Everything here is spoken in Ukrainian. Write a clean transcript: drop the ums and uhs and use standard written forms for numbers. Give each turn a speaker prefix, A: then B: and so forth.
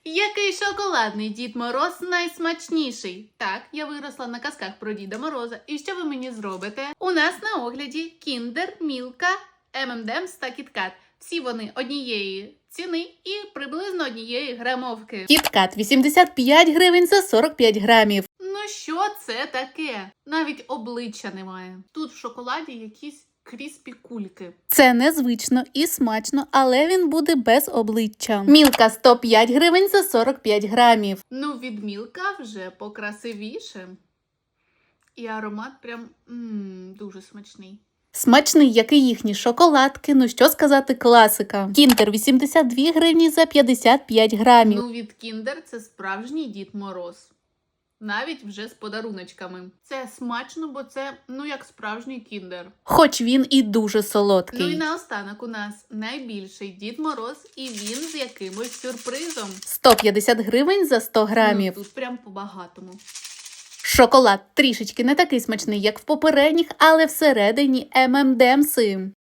A: Який шоколадний Дід Мороз найсмачніший? Так, я виросла на казках про Діда Мороза. І що ви мені зробите? У нас на огляді Кіндер, Мілка, M&M's та Кіткат. Всі вони однієї ціни і приблизно однієї грамовки.
B: Кіткат 85 гривень за 45 грамів.
A: Ну що це таке? Навіть обличчя немає. Тут в шоколаді якісь кріспі кульки.
B: Це незвично і смачно, але він буде без обличчя. Мілка 105 гривень за 45 грамів.
A: Ну, від Мілка вже покрасивіше. І аромат прям дуже смачний.
B: Смачний, як і їхні шоколадки, ну що сказати, класика. Кіндер 82 гривні за 55 грамів.
A: Ну, від Кіндер це справжній Дід Мороз. Навіть вже з подаруночками. Це смачно, бо це, як справжній Кіндер.
B: Хоч він і дуже солодкий.
A: Ну і наостанок у нас найбільший Дід Мороз, і він з якимось сюрпризом.
B: 150 гривень за 100 грамів.
A: Тут прям по-багатому.
B: Шоколад трішечки не такий смачний, як в попередніх, але всередині M&M's.